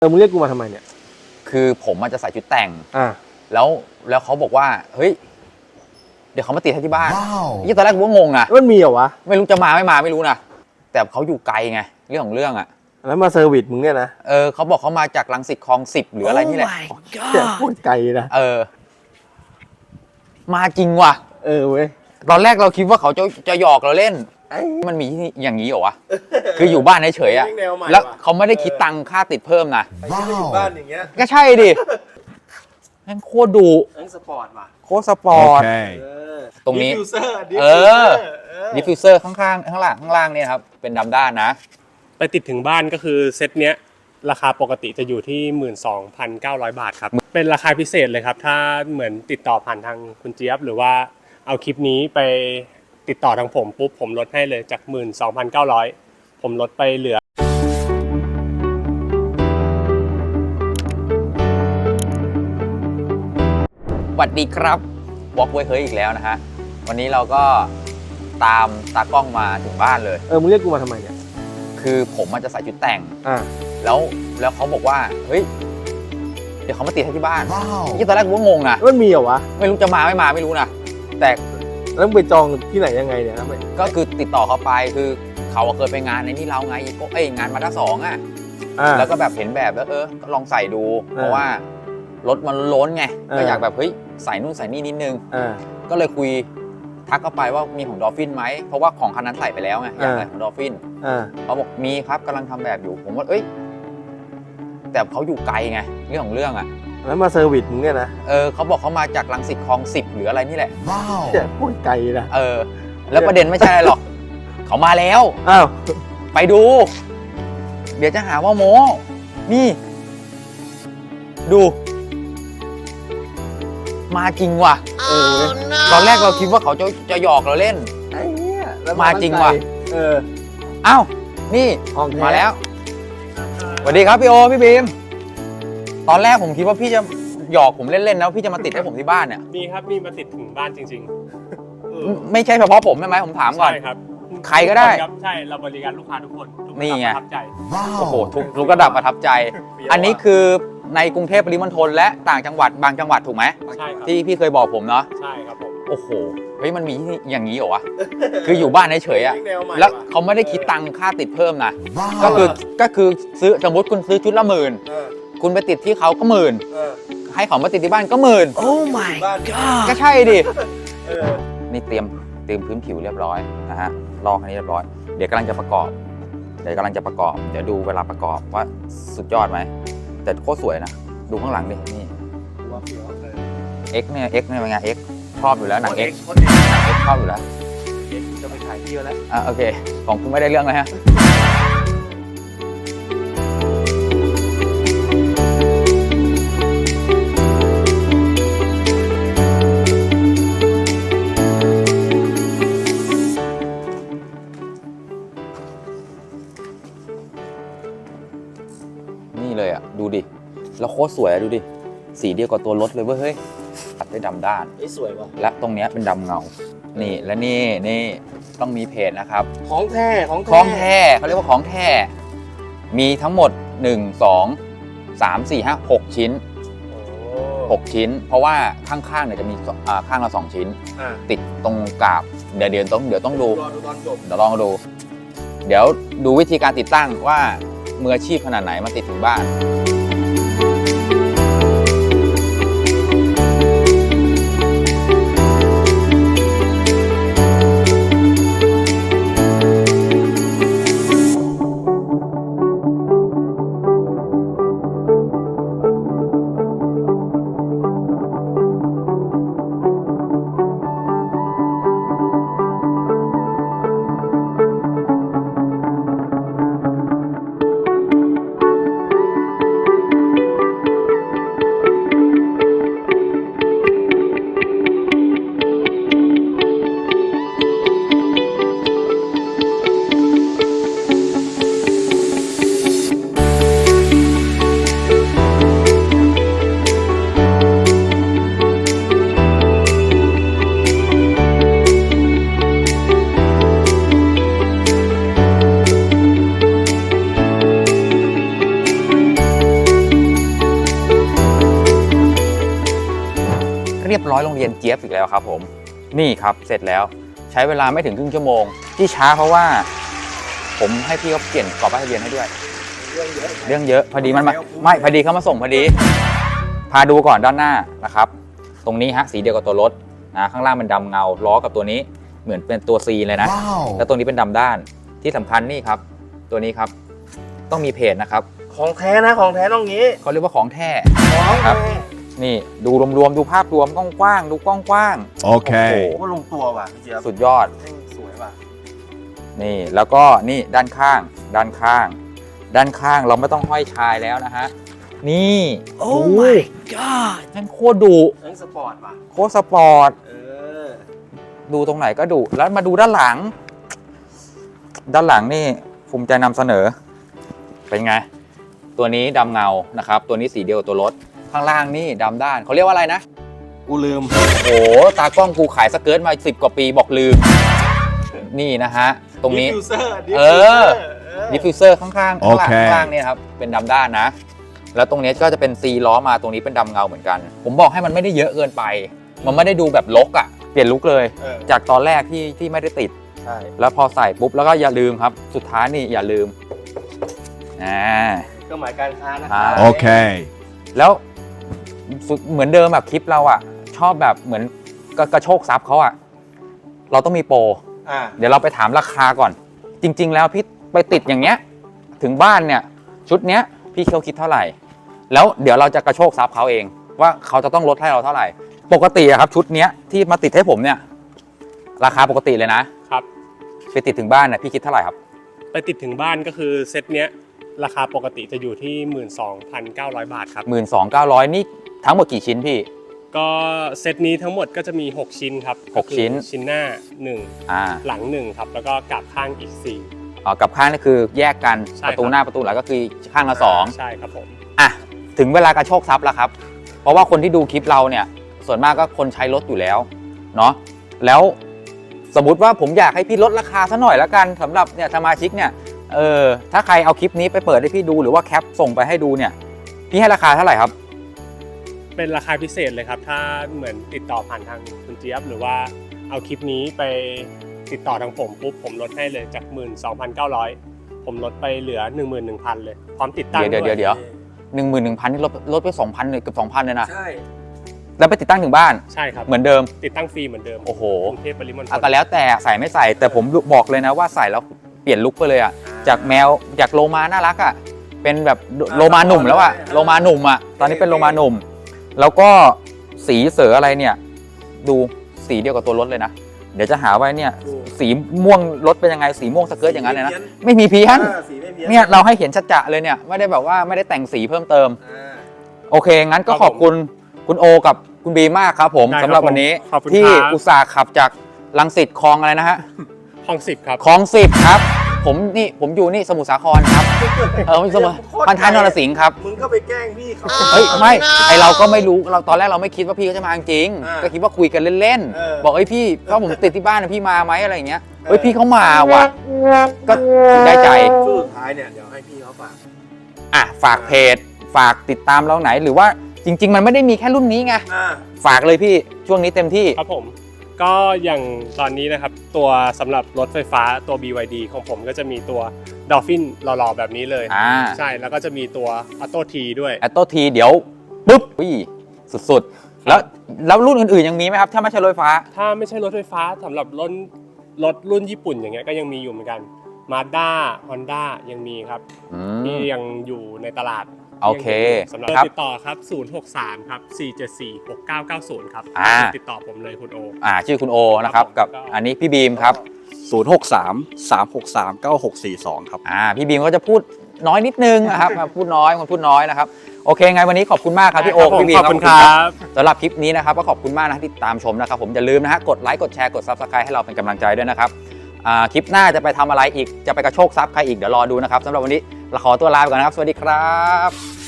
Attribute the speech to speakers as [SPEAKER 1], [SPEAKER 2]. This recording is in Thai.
[SPEAKER 1] มึงเรียกกูมาทำไมเนี่ย
[SPEAKER 2] คือผมจะใส่ชุดแต่งแล้วเขาบอกว่าเฮ้ยเดี๋ยวเขามาติดให้ที่บ้านยี่ตอนแรกกูก็งงนะ
[SPEAKER 1] มันมีเหรอวะ
[SPEAKER 2] ไม่รู้จะมาไม่มาไม่รู้นะแต่เขาอยู่ไกลไงเรื่องของเรื่องอ่ะ
[SPEAKER 1] แล้วมาเซอร์วิสมึงเนี่ยนะ
[SPEAKER 2] เขาบอกเขามาจากรังสิตคลอง10หรืออะไรนี่แหละ
[SPEAKER 1] แต่พูดไกลนะ
[SPEAKER 2] มาจริงว่ะ
[SPEAKER 1] เว้ย
[SPEAKER 2] ตอนแรกเราคิดว่าเขาจะหยอกเราเล่นมันมีอย่างนี้เหรอวะคืออยู่บ้านเฉยๆอ่ะแล้วเขาไม่ได้คิดตังค่าติดเพิ่มนะ
[SPEAKER 1] อยู่บ้านอย่างเงี้ย
[SPEAKER 2] ก็ใช่ดินั่นโคตรดุ
[SPEAKER 1] สปอร์ตว่ะ
[SPEAKER 2] โคตรสปอร์ตตรงนี้ดิฟฟิวเซอร์ข้างๆข้างล่างเนี่ยครับเป็นดำด้านนะ
[SPEAKER 3] ไปติดถึงบ้านก็คือเซตเนี้ยราคาปกติจะอยู่ที่ 12,900 บาทครับเป็นราคาพิเศษเลยครับถ้าเหมือนติดต่อผ่านทางคุณเจี๊ยบหรือว่าเอาคลิปนี้ไปติดต่อทางผมปุ๊บผมลดให้เลยจาก 12,900 ผมลดไปเหลือ
[SPEAKER 2] สวัสดีครับวอล์กเว้ยเฮ้ยอีกแล้วนะฮะวันนี้เราก็ตามตากล้องมาถึงบ้านเลย
[SPEAKER 1] มึงเรียกกูมาทำไมเนี่ย
[SPEAKER 2] คือผมจะใส่ชุดแต่งแล้วเขาบอกว่าเฮ้ยเดี๋ยวเขามาติดให้ที่บ้านยี่ตอนแรกกูก็งงนะ
[SPEAKER 1] มันมีเหรอวะ
[SPEAKER 2] ไม่รู้จะมาไม่มาไม่รู้นะแต่
[SPEAKER 1] แล้วไปจองที่ไหนยังไงเนี่ย
[SPEAKER 2] ก็คือติดต่อเขาไปคือเขาเคยไปงานในนี่เราไงก็งานมาด้า2อ่ะแล้วก็แบบเห็นแบบแล้วก็ลองใส่ดูเพราะว่ารถมันล้นไงก็อยากแบบเฮ้ยใส่นู่นใส่นี่นิดนึงก็เลยคุยทักเข้าไปว่ามีของดอลฟินไหมเพราะว่าของคันนั้นใส่ไปแล้วไงอยากใส่ของดอลฟินเขาบอกมีครับกำลังทำแบบอยู่ผมว่าแต่เขาอยู่ไกลไงเรื่องของเรื่องอ่ะ
[SPEAKER 1] แล้วมาเซอร์วิสมึงเนี่ยนะ
[SPEAKER 2] เขาบอกเขามาจากรังสิตคลอง10หรืออะไรนี่แหละ
[SPEAKER 1] แต่พูดไกลนะ
[SPEAKER 2] แล้วประเด็นไม่ใช่อะไรหรอกเขามาแล้วไปดูเดี๋ยวจะหาว่าโม้นี่ดูมาจริงว่ะตอนแรกเราคิดว่าเขาจะหยอกเราเล่นมาจริงว่ะอ้าวนี่มาแล้วสวัสดีครับพี่โอพี่บีมตอนแรกผมคิดว่าพี่จะหยอกผมเล่นๆแล้วพี่จะมาติดให้ผมที่บ้านเนี่ย
[SPEAKER 3] มีครับมีมาติดถึงบ้านจริง
[SPEAKER 2] ๆไม่ใช่เฉพาะผมใช่ไหมผมถามก่อน
[SPEAKER 3] ใช่ครับ
[SPEAKER 2] ใครก็ได้
[SPEAKER 3] ใช่เราบริการลูกค้าทุกคน
[SPEAKER 2] นี่ไง
[SPEAKER 3] ประทับใจ
[SPEAKER 2] โอ้โหทุกระดับประทับใจอันนี้คือในกรุงเทพปริมณฑลและต่างจังหวัดบางจังหวัดถูกไหม
[SPEAKER 3] ใช่ครับ
[SPEAKER 2] ที่พี่เคยบอกผมเนาะ
[SPEAKER 3] ใช่ครับผม
[SPEAKER 2] โอ้โหเฮ้ยมันมีอย่างนี้เหรอวะคืออยู่บ้านเฉยๆอ่ะแล้วเขาไม่ได้คิดตังค่าติดเพิ่มนะก็คือซื้อสมมติคุณซื้อชุดละ10,000คุณไปติดที่เขาก็10,000ให้เขามาติดที่บ้านก็10,000
[SPEAKER 4] โอ้ my god
[SPEAKER 2] ก็ใช่ดินี่เตรียมพื้นผิวเรียบร้อยนะฮะลอกอันนี้เรียบร้อยเดี๋ยวกำลังจะประกอบเดี๋ยวดูเวลาประกอบว่าสุดยอดไหมแต่โคตรสวยนะดูข้างหลังดินี่X เนี่ยเป็นไง X ชอบอยู่แล้วหนัง X ชอบอยู่แล้ว
[SPEAKER 1] จะไปถ่ายที่แล้ว
[SPEAKER 2] โอเคของคุณไม่ได้เรื่องเลยฮะนี่เลยอ่ะดูดิแล้วโคตรสวยดูดิสีเดียวกับตัวรถเลยเว้ยเฮ้ยตัดได้ดำด้าน
[SPEAKER 1] สวยว่ะ
[SPEAKER 2] และตรงนี้เป็นดำเงานี่และนี่ต้องมีเพจนะครับ
[SPEAKER 1] ของแท้
[SPEAKER 2] เขาเรียกว่าของแท้มีทั้งหมด1 2 3 4 5 6ชิ้น6ชิ้นเพราะว่าข้างๆเนี่ยจะมีข้างละ2ชิ้นติดตรงกาบเดี๋ยวต้องดูเดี๋ยวลองดูเดี๋ยวดูวิธีการติดตั้งว่ามืออาชีพขนาดไหนมาติดถึงบ้านเรียบร้อยโรงเรียนเจี๊ยบอีกแล้วครับผมนี่ครับเสร็จแล้วใช้เวลาไม่ถึงครึ่งชั่วโมงที่ช้าเพราะว่าผมให้พี่เขาเปลี่ยนกรอบป้ายทะเบียนให้ด้วยเรื่องเยอะพอดีมันมาไม่พอดีเขามาส่งพอดีพาดูก่อนด้านหน้านะครับตรงนี้ฮะสีเดียวกับตัวรถนะข้างล่างเป็นดำเงาล้อกับตัวนี้เหมือนเป็นตัว C เลยนะ แล้วตัวนี้เป็นดำด้านที่สำคัญนี่ครับตัวนี้ครับต้องมีเพจนะครับ
[SPEAKER 1] ของแท้นะของแท้ต้องงี้
[SPEAKER 2] เขาเรียกว่าของแท้
[SPEAKER 1] ของ
[SPEAKER 2] ครับ
[SPEAKER 1] แท้
[SPEAKER 2] นี่ดูรวมๆดูภาพรวมกว้างๆดูกว้างๆ
[SPEAKER 4] โอเค
[SPEAKER 2] โอ้
[SPEAKER 1] ว่าลงตัวว่ะพี่เจี๊ยบ
[SPEAKER 2] สุดยอด
[SPEAKER 1] สวยว่ะ
[SPEAKER 2] นี่แล้วก็นี่ด้านข้างเราไม่ต้องห้อยชายแล้วนะฮะนี่โอ้ my god นั่นโคตรดุ
[SPEAKER 1] นั่งสปอร์ตว่ะ
[SPEAKER 2] โคตรสปอร์ต
[SPEAKER 1] อ
[SPEAKER 2] ดูตรงไหนก็ดุแล้วมาดูด้านหลังนี่ภูมิใจนำเสนอเป็นไงตัวนี้ดำเงานะครับตัวนี้สีเดียวกับตัวรถข้างล่างนี่ดำด้านเขาเรียกว่าอะไรนะ
[SPEAKER 1] กูลืม
[SPEAKER 2] โอ้ตากล้องกูขายสเกิร์ตมา10 กว่าปีบอกลืมนี่นะฮะตรงนี้
[SPEAKER 1] ดิฟฟิวเซอร์
[SPEAKER 2] ดิฟฟิวเซอร์ข้างๆ
[SPEAKER 4] โอเค
[SPEAKER 2] ข้างล่างเนี่ยครับเป็นดำด้านนะแล้วตรงนี้ก็จะเป็น C ล้อมาตรงนี้เป็นดำเงาเหมือนกันผมบอกให้มันไม่ได้เยอะเกินไปมันไม่ได้ดูแบบรกอ่ะเปลี่ยนลุคเลย จากตอนแรกที่ไม่ได้ติด
[SPEAKER 1] ใช่
[SPEAKER 2] แล้วพอใส่ปุ๊บแล้วก็อย่าลืมครับสุดท้ายนี่อย่าลืม
[SPEAKER 1] เครื่องหมายการค้านะ
[SPEAKER 4] โอเค
[SPEAKER 2] แล้วเหมือนเดิมแบบคลิปเราอ่ะชอบแบบเหมือนกระโชกซับเขาอ่ะเราต้องมีโปรเดี๋ยวเราไปถามราคาก่อนจริงๆแล้วพี่ไปติดอย่างเงี้ยถึงบ้านเนี่ยชุดเนี้ยพี่เขาคิดเท่าไหร่แล้วเดี๋ยวเราจะกระโชกซับเขาเองว่าเขาจะต้องลดให้เราเท่าไหร่ปกติอะครับชุดเนี้ยที่มาติดให้ผมเนี่ยราคาปกติเลยนะครับ ไปติดถึงบ้านน่ะพี่คิดเท่าไหร่ครับ
[SPEAKER 3] ไปติดถึงบ้านก็คือเซตเนี้ยราคาปกติจะอยู่ที่ 12,900 บาทครับ
[SPEAKER 2] 12,900นี่ทั้งหมดกี่ชิ้นพี่
[SPEAKER 3] ก็เซตนี้ทั้งหมดก็จะมี 6 ชิ้นครับ
[SPEAKER 2] 6 ชิ้น
[SPEAKER 3] ชิ้นหน้า
[SPEAKER 2] อ่า
[SPEAKER 3] 1 หลัง 1 ครับ แล้วก็กลับข้างอีก
[SPEAKER 2] กับข้างนี่คือแยกกัน
[SPEAKER 3] ใช่
[SPEAKER 2] ประตู
[SPEAKER 3] ครับ
[SPEAKER 2] หน้าประตูหลังก็คือข้างละ
[SPEAKER 3] 4 ใช่ครับผม
[SPEAKER 2] 2อ่ะถึงเวลากระโชกซับแล้วครับเพราะว่าคนที่ดูคลิปเราเนี่ยส่วนมากก็คนใช้รถอยู่แล้วเนาะแล้วสมมุติว่าผมอยากให้พี่ลดราคาซะหน่อยละกันสำหรับเนี่ยสมาชิกเนี่ยถ้าใครเอาคลิปนี้ไปเปิดให้พี่ดูหรือว่าแคปส่งไปให้ดูเนี่ยพี่ให้ราคาเท่าไหร่ครับ
[SPEAKER 3] เป็นราคาพิเศษเลยครับ ถ้าเหมือนติดต่อผ่านทางคุณเจี๊ยบหรือว่าเอาคลิปนี้ไปติดต่อทางผมปุ๊บผมลดให้เลยจาก 12,900 ผมลดไปเหลือ 11,000 เลยพร้อมติดตั้ง
[SPEAKER 2] เดี๋ยว
[SPEAKER 3] ด้วย
[SPEAKER 2] 11,000นี่ลดไป 2,000เลยเกือบ 2,000เลยนะ
[SPEAKER 1] ใช่
[SPEAKER 2] แล้วไปติดตั้งถึงบ้าน
[SPEAKER 3] ใช่ครับ
[SPEAKER 2] เหมือนเดิม
[SPEAKER 3] ติดตั้งฟรีเหมือนเดิม
[SPEAKER 2] โอ้โห
[SPEAKER 3] กรุงเทพปริมณฑล
[SPEAKER 2] ก็แล้วแต่ใส่ไม่ใส่แต่ผมบอกเลยนะว่าใส่แล้วเปลี่ยนลุคไปเลยอ่ะจากแมวจากโลมาน่ารักอ่ะเป็นแบบโลมาหนุ่มแล้วอ่ะโลมาหนุ่มอ่ะตอนนี้เป็นโลมาหนุ่มแล้วก็สีเสืออะไรเนี่ยดูสีเดียวกับตัวรถเลยนะเดี๋ยวจะหาไว้เนี่ยสีม่วงรถเป็นยังไงสีม่วงสเกิร์ตอย่างนั้นเลยนะไม่มีเพี้ยน
[SPEAKER 1] สีไม่เพี้ยน
[SPEAKER 2] เนี่ยเราให้เห็นชัดๆเลยเนี่ยไม่ได้แบบว่าไม่ได้แต่งสีเพิ่มเติมโอเคงั้นก็ขอบคุณคุณโอกับคุณบีมากครับผมสำหรับวันนี้ที่อุตส่าห์ขับจากรังสิตคลองอะไรนะฮะ
[SPEAKER 3] คลอง 10 ครับ
[SPEAKER 2] คลอง10ครับผมอยู่นี่สมุทรสาครครับสมุทรพันท้ายนรสิงห์ครับ
[SPEAKER 1] มึงก็ไปแกล้งพี่เขา
[SPEAKER 2] เฮ้ยไม่ไอเราก็ไม่รู้เราตอนแรกเราไม่คิดว่าพี่เขาจะมาจริงก็คิดว่าคุยกันเล่นๆบอกเอ้ยพี่ถ้าผมติดที่บ้านนะพี่มาไหมอะไรอย่างเงี้ยเฮ้ยพี่เขามาว่ะก็ได้ใจ
[SPEAKER 1] สุดท้ายเนี่ยเดี๋ยวให้พี่เขาฝาก
[SPEAKER 2] ฝากเพจฝากติดตามเราไหนหรือว่าจริงๆมันไม่ได้มีแค่รุ่นนี้ไง
[SPEAKER 1] อ่า
[SPEAKER 2] ฝากเลยพี่ช่วงนี้เต็มที่
[SPEAKER 3] ครับผมก็อย่างตอนนี้นะครับตัวสำหรับรถไฟฟ้าตัว BYD ของผมก็จะมีตัว Dolphin หล่อๆแบบนี้เลยใช่แล้วก็จะมีตัว Auto T ด้วย
[SPEAKER 2] แอตโตทีเดี๋ยวปุ๊บสุดๆแล้วรุ่นอื่นๆยังมีไหมครับถ้าไม่ใช่รถไฟฟ้า
[SPEAKER 3] ถ้าไม่ใช่รถไฟฟ้าสำหรับรถรุ่นญี่ปุ่นอย่างเงี้ยก็ยังมีอยู่เหมือนกัน Mazda Honda ยังมีครับที่ยังอยู่ในตลาด
[SPEAKER 2] โอเค
[SPEAKER 3] สำหรับติดต่อครับ063ครับ474 6990ครับติดต่อผมเลยคุณโอ
[SPEAKER 2] ชื่อคุณโอนะครับกับอันนี้พี่บีมครับ
[SPEAKER 4] 063-363-9642 ครับ
[SPEAKER 2] พี่บีมก็จะพูดน้อยนิดนึงนะครับพูดน้อยนะครับโอเคไงวันนี้ขอบคุณมากครับพี่โอพี่บีม
[SPEAKER 3] ขอบคุณครับ
[SPEAKER 2] สำหรับคลิปนี้นะครับก็ขอบคุณมากนะที่ติดตามชมนะครับผมอย่าลืมนะฮะกดไลค์กดแชร์กด Subscribe ให้เราเป็นกำลังใจด้วยนะครับคลิปหน้าจะไปทำอะไรอีกจะไปกระโชกทรัพย์ใครอีกเดี๋ยวรอดูนะครับสำหรับวันนี้เราขอตัวลาไปก่อนนะครับสวัสดีครับ